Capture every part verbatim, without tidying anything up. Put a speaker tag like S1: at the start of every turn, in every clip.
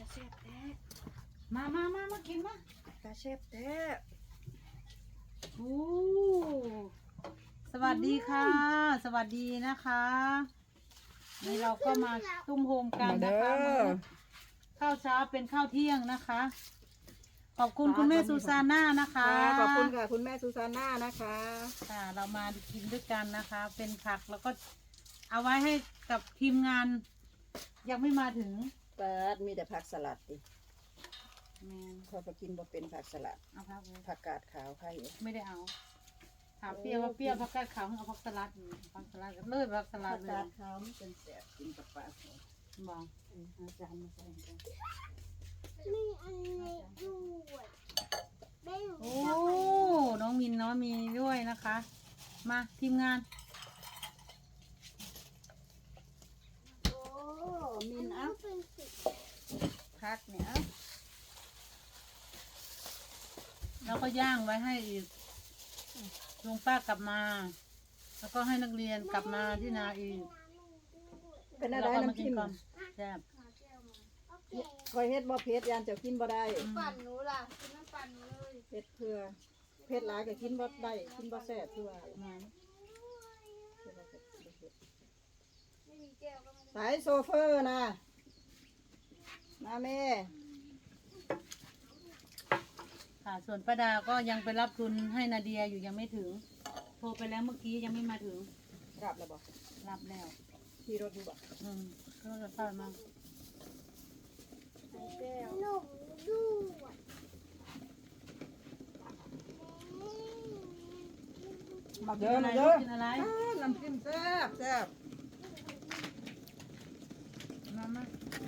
S1: เสียบแท้
S2: มามามามากินมา
S1: ตาเสียบแท้
S2: โอ้สวัสดีค่ะสวัสดีนะคะนี่เราก็มาตุ้มโฮมกันนะคะข้าวเช้าเป็นข้าวเที่ยงนะคะขอบคุณคุณแม่ซูซาน่านะคะ
S1: ขอบคุณค่ะคุณแม่ซูซาน่านะคะ
S2: ค่ะเรามากินด้วยกันนะคะ เป็นผักแล้วก็เอาไว้ให้กับทีมงานยังไม่มาถึง
S1: เปิดมีแต่ผักสลัดดิ
S2: แม่
S1: พอไปกินบ่เป็นผักสลัด
S2: เอาผัก
S1: ผักกาดขาวใคร
S2: ไม่ได้เอาถามเปรี้ยวว่าเปรี้ยวผักกาดขาวเอาผักสลัดผักสลัดเลยผักสลัดเลย
S1: ผักกาดขาวมันเป็นแสบกินกับปลา
S2: บอก
S1: อาจารย์มาใส่กัน
S3: มีอันนี้ด้วย
S2: โอ้น้องมินน้องมีด้วยนะคะมาทีมงาน
S1: โอ้มินอ่ะพักเนี่ย
S2: แล้วก็ย่างไว้ให้อีกลุงป้ากลับมา แล้วก็ให้นักเรียนกลับมาที่นาอีก
S1: เป็นอะไรน้ำจิ้ม
S2: แซ่บ
S1: คอยเฮ็ดบ่เผ็ดยานจะกินบ่ได้
S3: ปั่นหนูล่ะกินน้ำปั่นหนูเลย
S1: เผ็ดเพื่อเผ็ดหลายก็กินบ่ได้กินบ่แซ่บคือว่าสายโซเฟอร์นะมาแม่
S2: ค่ะส่วนป้าดาก็ยังไปรับทุนให้นาเดียอยู่ยังไม่ถึงโทรไปแล้วเมื่อกี้ยังไม่มาถึง
S1: รับแล้วบ่
S2: รับแล้ว
S1: ขี่รถอยู่บ่
S2: อืมก็จะพามา
S3: หนูด้วย
S1: มาเด้อมาเด้อกินอะไรน้ำจิ้มแซ่บแซ่บ
S2: มามา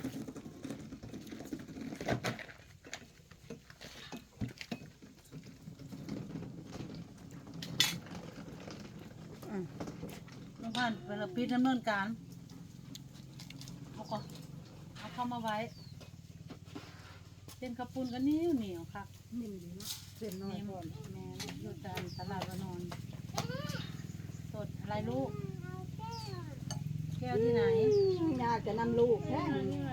S2: ลุงพันธุ์เป็นปิดดำเนินการเอาก่อนเอาเข้ามาไว้เป็นกระปุนกันนิ้วเหนียวครับ
S1: นิ่มดีเนาะเส้นน้อยก่อน
S2: แม่อยู่ตามตลาดวานอนสดอะไรลูกแก้วที่ไหน
S1: อยากจะนำลูกแค่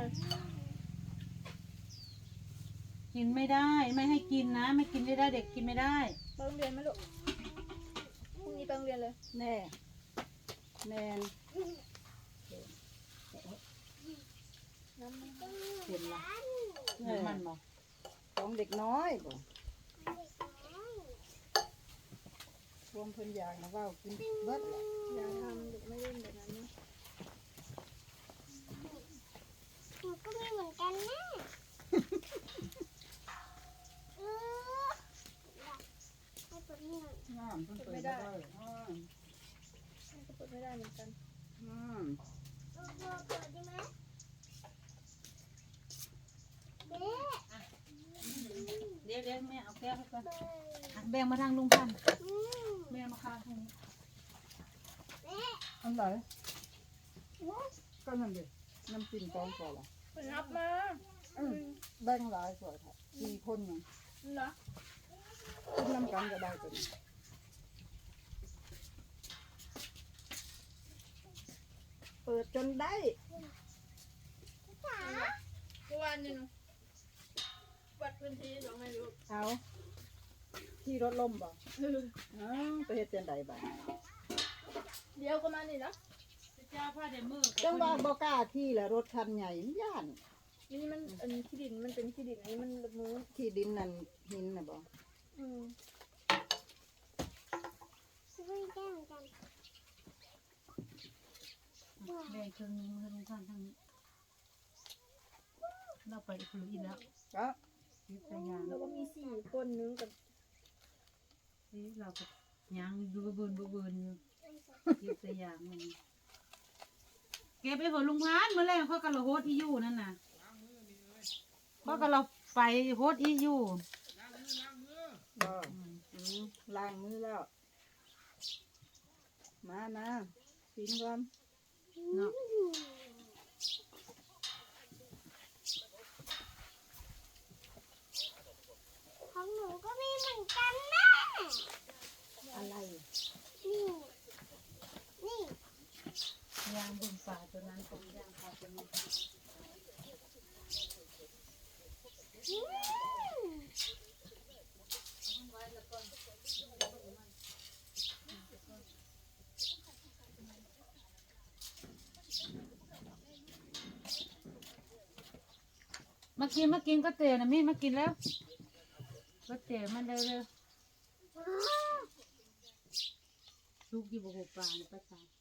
S2: กินไม่ได้ไม่ให้กินนะไม่กินไม่ได้เด็กกินไม่ได้
S3: ไปโรงเรียนไหมลูกพรุ่งนี้ไปโรงเรียนเลย
S1: แน่แน่
S3: น้ำมัน
S2: เห็นละน้ำมันบอก
S1: ของเด็กน้อยบ่รวมเพิ่นอยากนะว่ากินเบิดแหละ
S3: อย่าทำเด็กไม่เล่นแบบนั้นนะหนูก็มีเหมือนกันนะเออให้เปิดนี่หน่อย
S1: น้ำเพิ่นเปิดไม่ได้
S3: ให้เปิดไม่ได้เหมือนกัน
S1: อืม
S3: เปิดเปิดได้ไหม
S2: เดี๋ยวเดี๋ยวแม่เอาแก้วให้ก่อนแบ่งมาทางลุงพันธุ์แม่มาค้างทางนี้
S1: อันไหนก็นั่นดิน้ำจิ้มกองก่อนละ
S3: นับมา
S1: แบ่งหลายกว่าค่ะสี่คนยัง
S3: เหรอ
S1: กินน้ำกันก็ได้ตัวนี้เปิดจนได้
S3: ทุกวันนึงวัดพื้นที่สองให้ลูก
S1: เอาที่รถล่มบ่อ๋อไปเฮ็ดจังไดบ่
S3: เดี๋ยวก็มานี่นะ
S2: เจ้าผ้าเดมือ
S1: จังว่าบ่กล้าที่แหละรถคันใหญ่ย่าน
S3: นี่มันอันนี้ที่ดินมันเป็นที่ดินนี้มันมือ
S1: ที่ดินนั่นหินน่ะบ่
S3: อืมซื้อแก้วกัน
S2: แบ่งครึ่งนึงให้ลุงพันธุ์ทางนี้เราไปอีกคนอีกแล้ว
S1: ก็
S3: แล้วก็มีสี่คนนึงกับ
S2: นี่เราก็ยังดูบืนบืนอยู่ยึดตัวอย่างมันเก็บไปผลลุงพันธุ์เมื่อแรกเขากระโดดอีอยู่นั่นน่ะเขากระโดดไปโฮดอีอยู่
S1: ล้างมือแล้วมานะกินก่อน
S2: เนาะ
S3: ของหนูก็มีเหมือนกันนะ
S1: อะไร
S3: นี่นี่
S2: ยางบนฝาตัวนั้นของยางฝาตัวนี้มากินมากินก็เตะนะมี่มากินแล้วก็เตะมันเร็วๆลูกอยู่บนหัวปลาเนี่ยป้าจ๋า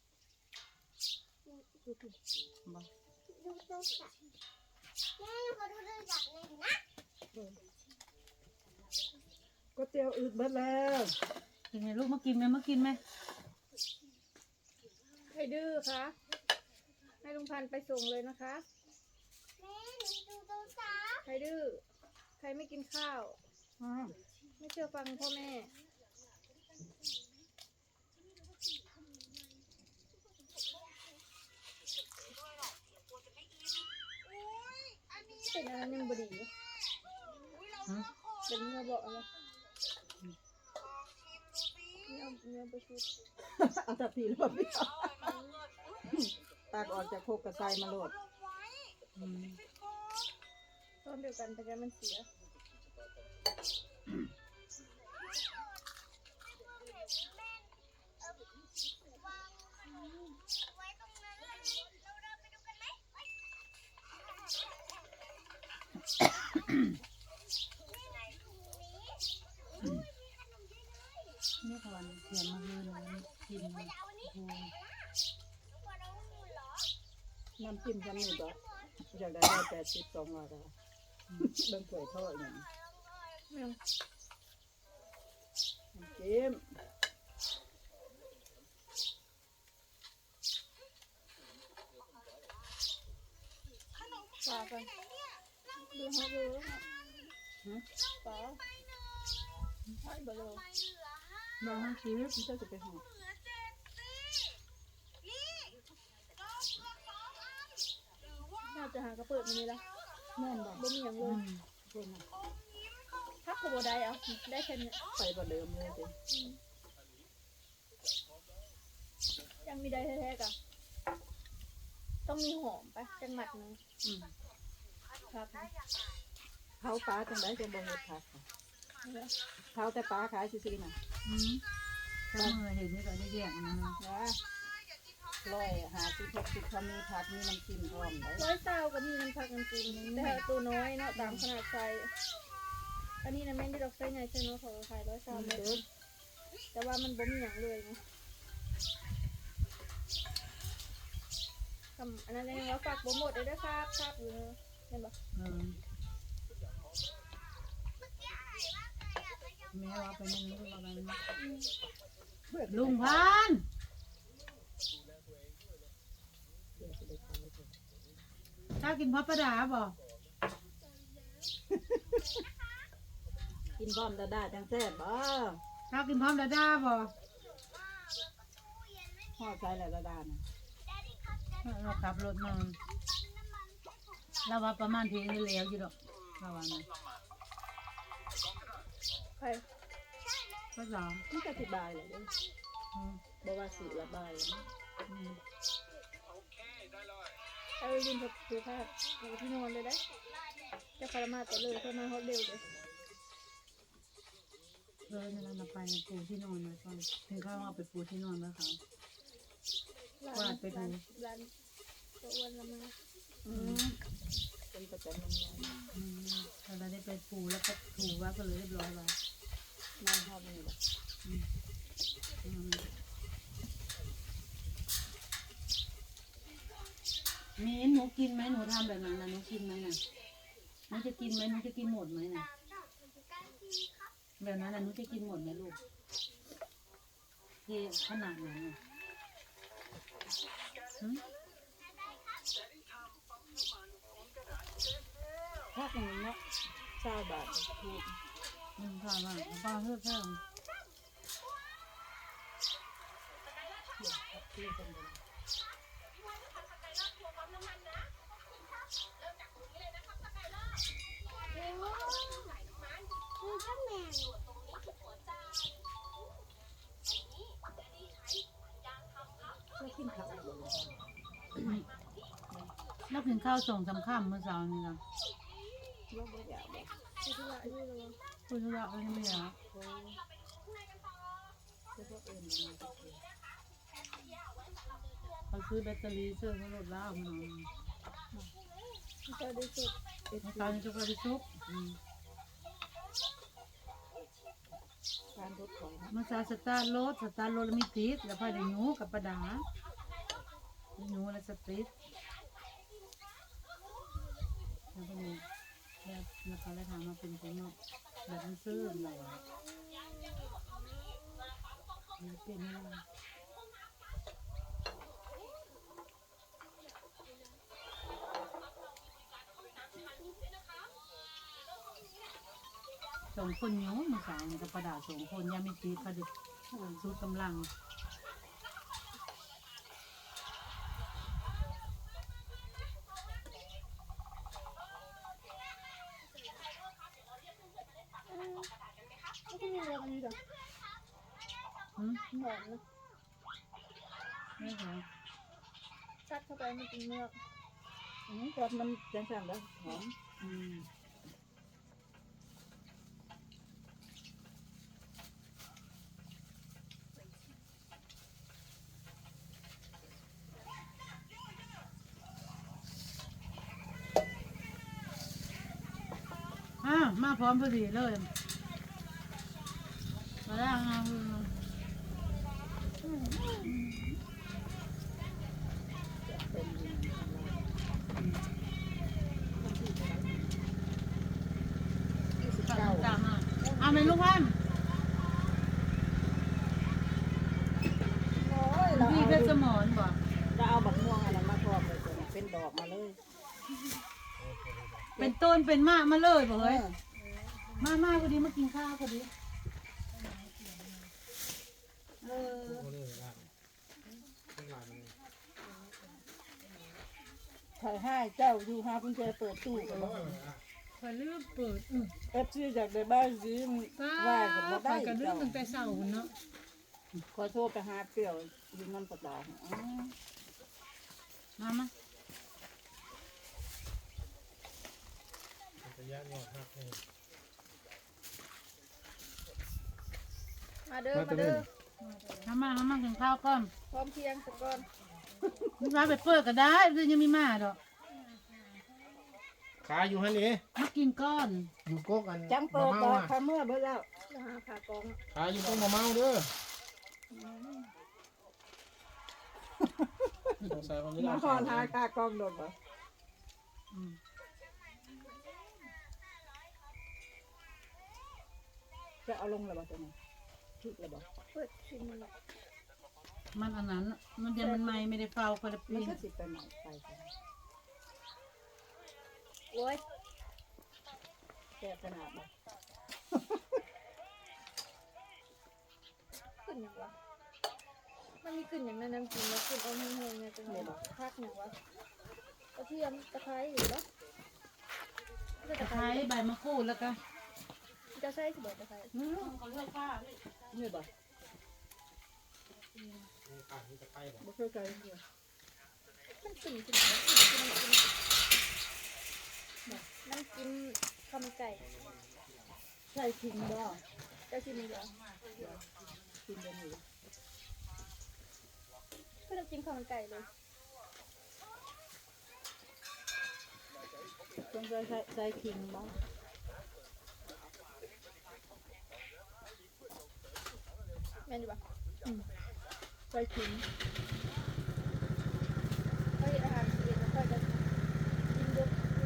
S2: บอก
S4: ดูโทรศัพท์แม่ขอดูโทรศัพท์หน่อยนะ
S1: ก๋วยเตี๋ยวอืดเบิดแล้ว
S2: กินไงลูกมากินไหมมากินไหม
S3: ใครดื้อคะให้ลุงพันธุ์ไปส่งเลยนะคะ
S4: แม่หนูดูโทรศัพท์
S3: ใครดื้อใครไม่กินข้าว
S1: อ้าว
S3: ไม่เชื่อฟังพ่อแม่เป็นอะไรยังบดีอยู่
S2: ฮะ
S3: เป็นเนื้อบอกอะไรเนื้อเนื้อประชุด
S1: เอาแต่ผีรอบพี่ตากออกจากโคกกระไซมาโหลด
S2: อืม
S3: ต้นเดียวกันแต่แกมันเสีย
S2: นี่ก่อนเขียนมาเลยเลยกินเลยโอ้โห
S1: น้ำจิ้มจำนี่บ่อยากได้ได้แปดสิบสองร้อยแล้วเบิ่งถ้วยทอดอย่าง
S3: ไม่เอา
S1: น้ำจิ้ม
S3: ปลากันดูฮะดูแล้วฮะ
S1: ฮะ
S3: ปลาใช่บ่เลย
S1: น้องให้ซื้อมันจะไปห่อ
S3: น่าจะหากระเปิดมันนี่ละ
S1: แม่นบ่
S3: บ่มีอย่างเล
S2: อื
S3: ย
S2: ม
S1: คนน่ะ
S3: ถ้าขบได้เอาได้แค่นี้
S1: ไปบ่เดิมเลยสิ
S3: อืมยังมีได้แท้ๆกะต้องมีหอมไปจังหมัดหนึง
S1: อืม
S3: ครับนะ
S1: เขาปลาจังไดจะบ่เฮ็ดผักค่ะเขาแต่ปลาขายซื่อๆน่ะ
S2: อืมถ้าเมื่อเห็นนี่ก็ได้แยกนะ
S1: นะร้อยหาสิบหกสิบเขามีผักมีน้ำจิ้มพร้อมได้
S3: ร้อยเต้าก็มีน้ำผักน้ำจิ้มแต่ตัวน้อยเนาะตามขนาดไซส์อันนี้นะแม่นที่เราใส่ใหญ่ใช่เนาะเขาก็ขายร้อยเต้าเม็ดแต่ว่ามันบ่มีอย่างเลยนะคำอันนั้นเองว่าฝากโปรโมทได้ด้วยครับครับอยู่เนอะเห็นปะ
S2: เออแม่ว่าไปนั่งลูกว่าไปนั่งลุงพันธุ์ถ้ากินพับประดาบ่
S1: กินพร้อมดาดาจังแซ่บบ่
S2: ถ้ากินพร้อมดาด้าบ่
S1: ห่อใส่แล้วดาดาน่ะ
S2: เราขับรถมาเราว่าประมาณเพียงนี้แล้วอยู่ดอกเราว่านะ
S3: ใคร
S2: ก็สอง
S1: มันก็สิบายเลยเด้อ
S2: อืม
S1: บ่ว่าสิละบายนะ
S2: อืม
S3: เอาไปยืนกับดูภาพเอาไปที่นอนเลยได้จะคารามาแต่เลยเขามาฮอตเร็วเลย
S2: เออเนี่ยเราไปปูที่นอนนะก่อนถึงเขาเอาไปปูที่นอนแล้วเขา
S3: ร้าน
S2: วาดไปดู
S3: ร้านร้านตัวอ้วนละมา
S1: อืมเป็นประจำมัน
S2: อืมเราได้ไปปูแล้วก็ถูไว่าก็เลยเรียบร้อยไว้
S1: น้ำทอดนี่บ่
S2: อืมอืมมีหนูกินไหมหนูทำแบบนั้นนะหนูกินไหมน่ะหนูจะกินไหมหนูจะกินหมดไหมน่ะแบบนั้นน่ะหนูจะกินหมดไหมลูกเทขนาดไหนน่ะหึ
S1: ถ้าเป็นเนาะเก้าบาทถูก
S2: อืมค่ะว่าป้าเพื่อเพิ่ม
S1: ที่เป็นบ่
S4: ดูข้างแมง
S1: แล้วกินข้าวบ่ล่ะ
S2: แล้วกินข้าวส่งสำคัญเมื่อเช้านี้นะ
S1: บ่บ่อยากบ่
S3: ที่ที่ว่าอายุเรา
S2: คุณธุระก็ไม่อยาก
S1: โอ้เฉพาะเอิ้นมันก็คือ
S2: เขาซื้อแบตเตอรี่เสื้อเขาลดแล้วมัน
S3: เจอดีสุด
S1: เอ็ด
S2: น้ำตาลจะไปซุป
S1: การรถถอยนะ
S2: มาซาสตาร์รถสตาร์รถมีติดแล้วพอได้หนูกับประดาหนูและสติดแล้วก็มีแบบนะคะแล้วทางมาเป็นคนเนาะแบบมันซื้ออะไรมันเปลี่ยนไม่ได้สองคนนิ้วมาสาวนี่กับประดาสองคนยังไม่ติดพอดีสุดกำลัง
S3: ไม่ใช่มีเรื่องอันนี้หรอ
S2: อืม
S3: หอมนะ
S2: ไม่เหรอ
S3: ซัดเข้าไปมันเป็นเมือก
S1: อืมก็มันจังสั่นแล้วหอม
S2: อืมอ่ะมาพร้อมพอดีเลยมาแล้วงาม
S1: เป็นยังไงของเรายี่สิบ
S2: ตา
S1: เก้าม
S2: ตามอ่ะเอาไหมลูกพัน
S1: โอ้ยเรา
S2: พี่
S1: เอา
S2: เพชรสมรบ่
S1: เราเอาบักม่วงอันนั้นมาพร้อมเลยจ้ะเป็นดอกมาเลย
S2: เป็นต้นเป็นมากมาเลยบ่
S1: เอ
S2: เฮ้ย
S1: อ
S2: มามาพอดีมากินข้าวพอดีเออ
S1: ถ่ายให้เจ้าอยู่หาคุณแจเปิดตู้กัน
S5: คอยลืมเปิดอือ
S1: เอฟซีจากในบ้านซีม
S5: ป้า
S1: ว่ากัน
S5: ค
S1: บ่
S5: อ
S1: ได้
S5: ยกระลืม
S1: เจ้า
S5: ตั้งแต่เช้าเนาะ
S1: ขอโทษไปหาเปรี้ยวอยู่นั่นประดาอ๋อ
S2: มามา
S3: มาเด้อมาเด้อ
S2: ทำมาทำมากินข้าวก่อน
S3: พร้อมเพียงสักก่อน
S2: ลูกค้าไปเปิดก็ได้เดี๋ยวยังมีมาดอก
S6: ขายอยู่ฮันนี่
S2: มากินก้อน
S6: อยู่กกอัน
S1: จังเปิด
S6: มะ
S1: ดอ
S6: เมาก อะ
S1: คาเมื่อเบิ่แล้ว
S3: จะหาผ่ากอง
S6: ขายอยู่กกมะเมาเด้อสงสัยเขาไม่
S1: มา
S6: ได้
S1: หอนหาคากองโดดบ่
S2: อืม
S1: จะเอาลงแล้วบ่ตัวนี้ทุกแล้วบ่
S3: เปิดชิมมันละ
S2: มันอันนั้นมันยังมันไม่ไม่ได้เฝ้าคนละ
S1: มัน
S2: ปี
S1: ก็สิไปใหม่ไปกัน
S3: โอ้ย
S1: แก่ขนาดบ่
S3: ขึ้นอย่างวะมันมีขึ้นอย่างนั้นน้ำจิ้มแล้วขึ้นเอาแห้งๆไงจังเลยพักอย่างวะกระเทียมตะไคร้อยู่แล้วตะ
S2: ตะ
S3: ไค
S2: ไค
S3: ร้
S2: ร้ใบมะกรูดแล้วก็
S3: จะใส่สิบตะไคร้
S2: อืมเขาเลือกป้า
S1: นี่บ่
S6: ขายอยู่ตะไคร้บ่
S1: บ่เคยไกลเลย
S3: มันกลิ่นกลิ่นน้ำจิ้มข้าวมันไก่
S1: ใช่ทิ้งบ่
S3: จะชิมอีกเหรอ
S1: กินกันอยู่
S3: ก็น้ำจิ้มข้าวมันไก่เลย
S1: ต้องใช้ใช้ใช้ทิ้งบ่
S3: แม่นดีป่ะ
S1: ใช้ทิ้ง
S3: เขาเห็นอาหารเย็นแล้วก็จะกินเยอะ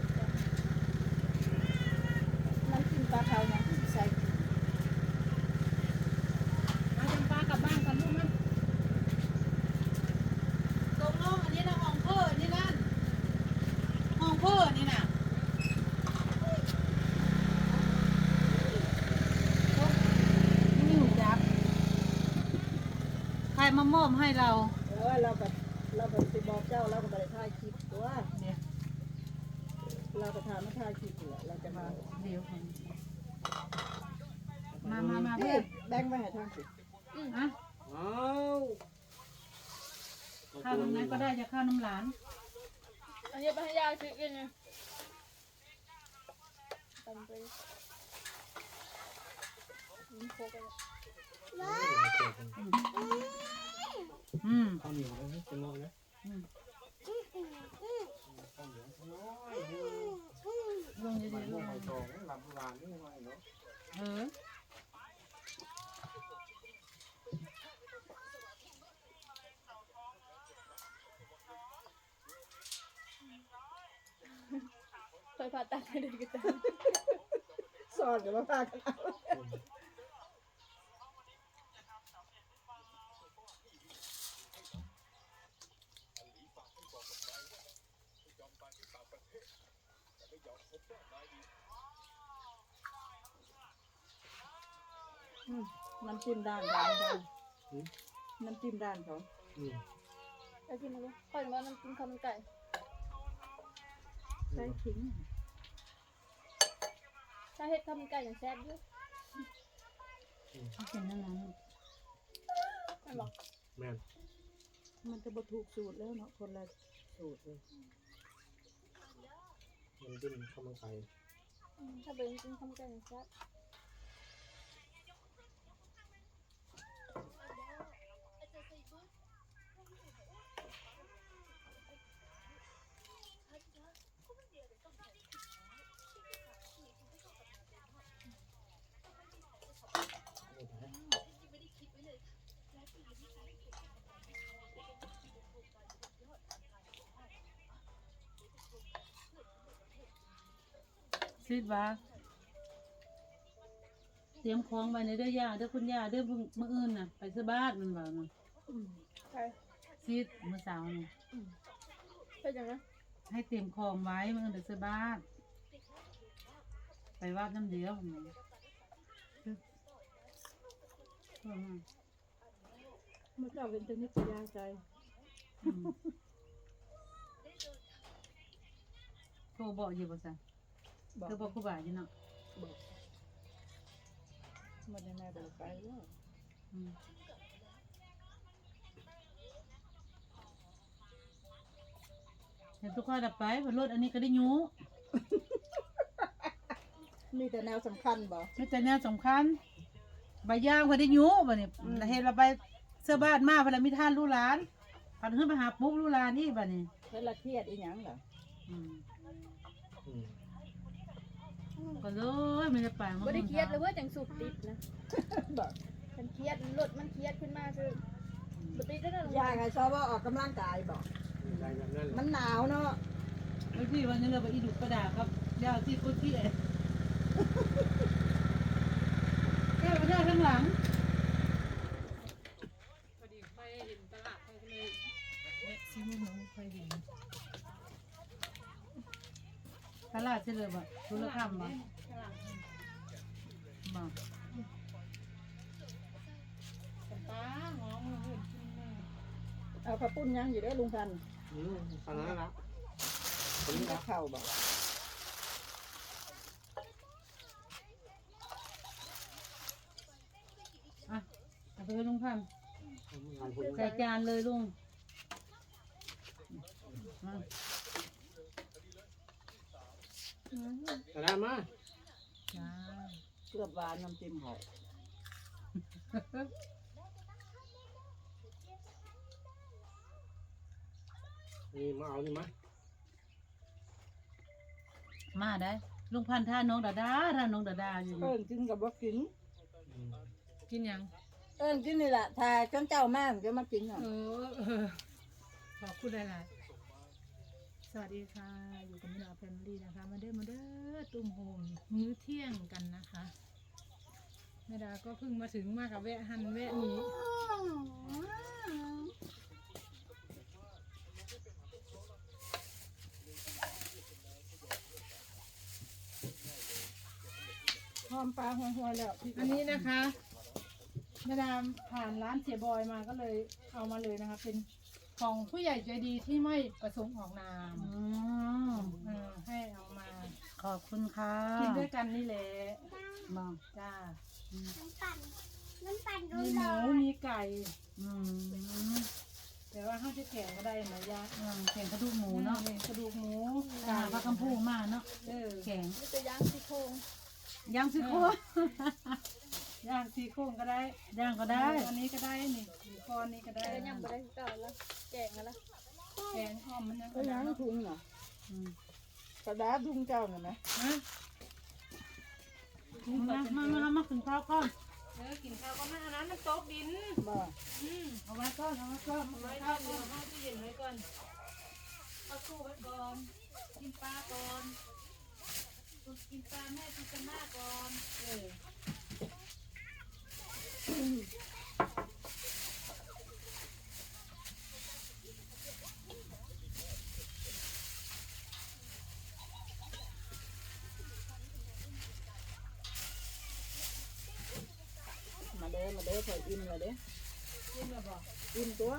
S1: น้ำจิ้มปลาขาวยังใส่ทิ้ง
S5: มาจำปากลับบ้านกันลูกนะ
S2: ตรงลงอันนี้นะห้องเพื่อนี่นั่นห้องเพื่อนี่น่ะนี่หูจับใครมามอบให้เรา
S1: เออเราก็เราก็สิบอกเจ้าเราก็บ่ได้ถ่ายคลิปตัว
S2: เนี่ย
S1: เราก็ทานมาถ่ายคลิปอยู่แหละเราจะมา
S2: เดี๋ยวก่อนมามามา
S1: เฮ้
S2: เพื่
S1: ย
S2: อน
S1: แบ่งไว้ให้ทางสิ
S2: อ่ะ
S6: อ้าว
S2: ข้าวน้ำนั้นก็ได้จะข้าวน้ำหลาน
S3: อันนี้ไปให้ยายซื้อกินเลยตำไปยิ้มโคกัน
S2: อืม
S6: ข้าวเหนียวเลยเป็นงงเลย
S2: อืม
S6: ข้าวเหนียวน้อย
S2: อ
S6: สองหลับหลานนี่ไงเนาะ
S2: เออ
S3: เคยผ่าตัดให้เด็กกัน
S1: สอนกับว่าพากันเอา อืมน้ำจิ้มด้านด้านด้านน้ำจิ้มด้านเขา
S6: อืม
S3: ไอ้กินอะไรค่อยว่าน้ำกินข้าวมันไก่
S1: ใช้ขิง
S3: ถ้าเฮ็ดข้าวมันไก่อย่างแซ่บอยู่
S2: เอาเป็นนั่นนั้น
S3: ไม่บอก
S6: แม่น
S1: มันจะบถูกสูตรแล้วเนาะคนละสูตรเลย
S6: มันดิ้นเข้ามาไกล
S3: อืมถ้าเป็นกินข้าวมันไก่อย่างแซ่บ
S2: ซีดว่าเตรียมของไว้ในเด้อย่าเด้อคุณย่าเด้อมื้อมื้ออื่นน่ะไปซื้อบ้านมันว่าน่ะ
S1: อืม
S3: ใช่
S2: ซีดมื้อเช้านี่
S3: เป็นอย่างนั้น
S2: ให้เตรียมของไว้มื้ออื่นไปซื้อบ้านไปวัดน้ำเดียวมันเออ
S1: เมื่อเจ้าเป็นชนิดยาใจ
S2: อืมโทรบอกอยู่บ่ซั่น
S1: บอก
S2: เธอบอกครูบาอยู่เนาะ
S1: บอกมันยังไงบอกไปว่า
S2: อืมเห็นทุกคนดับไปบนรถอันนี้ก็ได้ยู
S1: มีแต่แนวสำคัญบอก
S2: ไม่แต่แนวสำคัญใบย่างพอได้ยูบ่เนี่ยเห็นเราไปเสื้อบ้านมาเพอเรามีท่านลูกหลานพันขึ้นไปหาปุ๊บลูกหลานนี่บ่เนี่ย
S1: เวลาเครียดอีหยังเหรอ
S2: อืม
S6: อืม
S2: ก็เลยไม่ได้ไป
S3: บ่ได้เครียดเลยเว่าจังสุดติดนะ
S1: บอก
S3: มันเครียดรถมันเครียดขึ้นมาคือบ่ติดแล้วนะ
S1: ยายไงชอบว่าออกกำลังกายบอก
S6: ได้แบบนั้นแห
S1: มั
S6: ละ
S1: นหนาวเนาะ
S2: บางทีวันนี้เราไปอีดุกระดาครับยาวที่คนที่เอ๋แก้ไปได้ข้างหลัง
S5: พอดีไปเห็นตลาดเขาก็เลยแวะซื้อมาหนูไปเห็น
S2: ตลาดเฉลิมอ่ะธุรกรรมบ่
S5: ตลาด
S2: บ่
S5: กับป้าหอมมาเห็นกินเลย
S1: เอาข้าวปุ้นยังอยู่ได้อลุงพันธุ์
S6: อืมขนาดนั้นละคน
S1: มี
S6: นี้
S1: แต่
S6: ละ
S1: ข้าวบอก
S2: อ่ะเอาไปให้ลุงพันธุ์
S6: หลายคน
S2: ใส่จานเลยลุงมา
S6: แต่ได้มา
S2: จ้า
S1: เกลือบหวานน้ำจิ้มหอย
S6: นี่มาเอานี่มา
S2: มาได้ลุงพันธุ์ท่าน้องดาดาท่าน้องดาดาอยู่
S1: เอิ้นกินกับว่ากิน
S6: อืม
S5: กินยัง
S1: เอิ้นกินนี่แหละถ้าจนเจ้ามากจะมากินอ่ะ
S5: เออเออขอบคุณหลายๆสวัสดีค่ะ อยู่กับมิลาแฟมิลี่นะคะ มาเด้อมาเด้อตุ้มโฮมมื้อเที่ยงกันนะคะแม่ดาก็เพิ่งมาถึงมากับแวะหันแวะนี้
S1: หอมปลาหัวหัวแล้ว
S5: อันนี้นะคะแม่ดาผ่านร้านเสียบอยมาก็เลยเอามาเลยนะคะ เป็นของผู้ใหญ่ใจดีที่ไม่ประสงค์ออกนาม
S2: อืม
S5: เออให้เอามา
S2: ขอบคุณค่ะ
S5: กินด้วยกันนี่แหละ
S2: บอก
S5: จ้า
S4: น้ำปั่นน้ำปั่น
S5: มีห
S4: ร้
S5: มู
S4: อน
S5: มีไก่
S2: อืม
S5: แต่ว่าข้าวจะแกงก็ได้ไหมยะ
S2: อืมแข่งกระดูกหมูเนาะ
S5: กระดูกหมู
S2: ตาปลาคำพูมากเนาะ
S5: เออ
S2: แข็ง
S3: มีแต่ย่างซี่โครง
S2: ย่างซิโครง
S5: ย่างซี่โครงก็ได้
S2: ย่างก็ได้
S5: อันนี้ก็ได้นี่หรือคอนนี้ก็ได้
S3: แต่ยังบ่ได้คือเก่าแล้วแกงกันละ
S5: แกงอ้อมมันยัง
S1: ก็ยังถุงเนาะ
S2: อืม
S1: กระดาษถุงเจ้าน่ะนะ
S5: ฮะ
S2: มามามามากินข้าวก่อน
S5: เออกินข้าวก็ไม่อันนั้นมันโต๊ะดิน
S1: บ่
S5: อืม
S2: เอาไว้ก่อนเอาไว้ก่อน
S5: เอาไว้ก่อนเดี๋ยวเอาตู้เย็นไว้ก่อนเอาตู้ไว้ก่อนกินปลาก่อนกินปลาแม่กินกันหน้าก่อนเออ
S1: มาเด้อมาเด้อพออิ่มแล้วเด้อ
S5: กินแบบบอก
S1: อิ่มตัว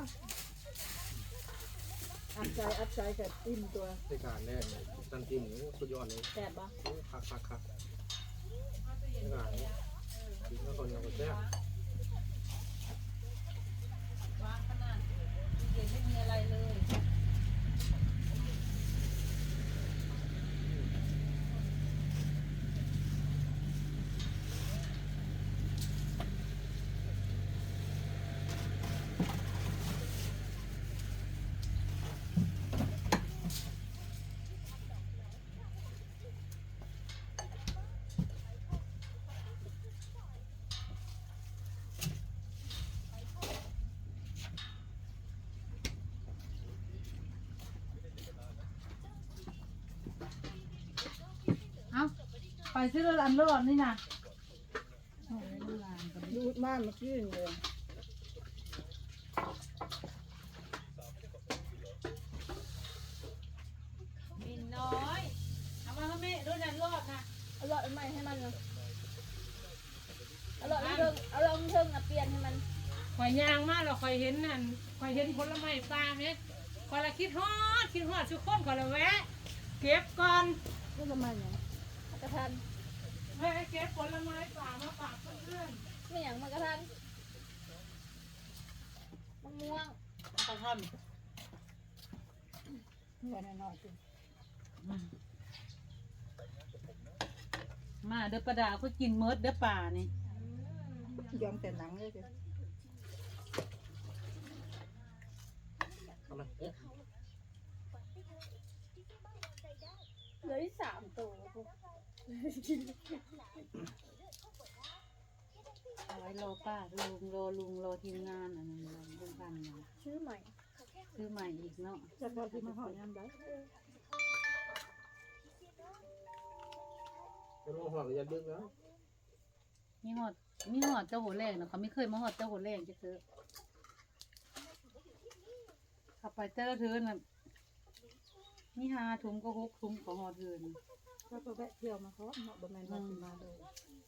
S1: อัดใจอัดใจกับอิ่มตัว
S6: ในการแรกเนี่ยตันจิ้มโอ้สุดยอดเลย
S1: แซ่บบ่
S6: โอ้คักคักคักในการเนี่ยกินแล้วคนยังก็แซ่บ
S2: วางขนาดตู้เย็นไม่มีอะไรเลย เอาไปซื้อรถอันรอดนี่นะโอ้ยน้ำลายกัน
S1: ดูดมาเมื่อกี้นี่เลย
S2: มินน้อยเอามาให้แม่รถอันรอดนะ
S3: เอาหลอดใหม่ให้มันนะเอาหลอดเทิงเอาลองเทิงอ่ะเปลี่ยนให้มัน
S5: ข่อยย่างมากเราข่อยเห็นนั่นข่อยเห็นผลไม้ปลาไหมข่อยละคิดฮอดคิดฮอดทุกคนข่อยละแวะ เก็บก่อน
S1: ก็ทำไมเนี่ย
S3: กระทัน
S5: แม่เก็บผลไม้ปลามาฝากเพื่อน
S3: ไม่อย่างมันกระทันมะม่วง
S2: เอาไปท
S1: เงินน้อยๆสิ
S2: ำมาเด้อประดาก็กินเมิดเด้อป่านี่
S1: ยอมแต่หนังเลยสิ
S6: ทำไมเอ๊ะ
S3: เหลือที่สามตัว
S2: เอาไว้รอป้าลุงรอลุงรอทีมงานอันนั้นรอลุงพันธุ์นะ
S3: ชื่อใหม่
S2: ซื้อใหม่อีกเนาะ
S1: จะพอที่มาหอยยามได้
S6: ไม่ต้องห่วงอย่าดึกนะ
S2: มีหอดมีหอดเจ้าหัวแรงนะเขาไม่เคยมาหอดเจ้าหัวแรงจะเจอขับไปเจ้าเทือนน่ะมีหาถุงก็หกถุงก็หอดเทือน
S1: ก็ไปแวะเที่ยวมาเขาเนาะบ่แม่นว่าสิมาเลย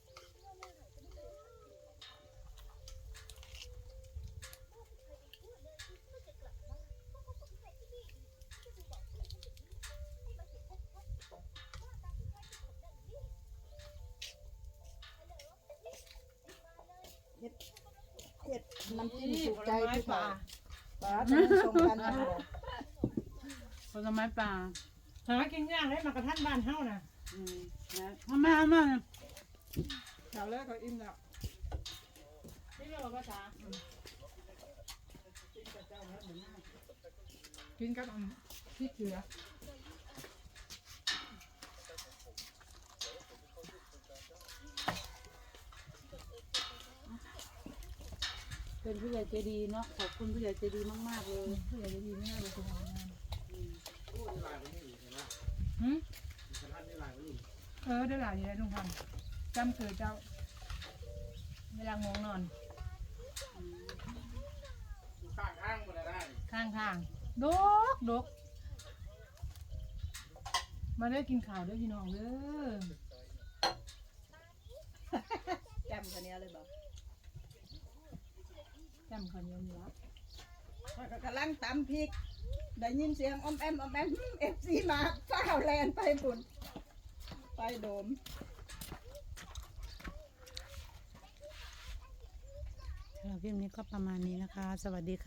S1: เฮ็ดเฮ็ดน้ำจิ้มถูกใจผู้ป่าป่าจะได้ส่งกันนะ
S2: ผลไม้ป่า
S5: หากินย่างได้มากระทันบ้านเฮาน่ะ
S2: อืมนะมามามา
S1: แถวแรกก็อิ่มแล้ว
S5: นี่เรียกว่าภาษา
S1: กินกับอันพริกเกลือ
S2: เป็นผู้ใหญ่ใจดีเนาะขอบคุณผู้ใหญ่ใจดีมากๆเลย
S1: ผู้ใหญ่จะดีมากเลยคุณหมองาน
S6: โอ้ยลายมันนี่เห็นไหม
S5: หืม
S6: กระทันนี่ลายมันนี่
S5: เออได้หลายอยู่แล้วลุงพันธุ์จำเกิดเจ้า เวลางงนอน
S6: ข้างข้างมันได้
S5: ข้างทางดกดกมาได้กินข่าวด้วยพี่น้องเด้อ
S1: แจมคนนี้เลยบอก
S5: จำคนยังเหลือ
S1: กำลังตำพริก ได้ยินเสียงอมแอมอมแอมเอฟซีมาฟ้าวแลนไปปุ่นไปโดม
S2: คลิปนี้ก็ประมาณนี้นะคะ สวัสดีค่ะ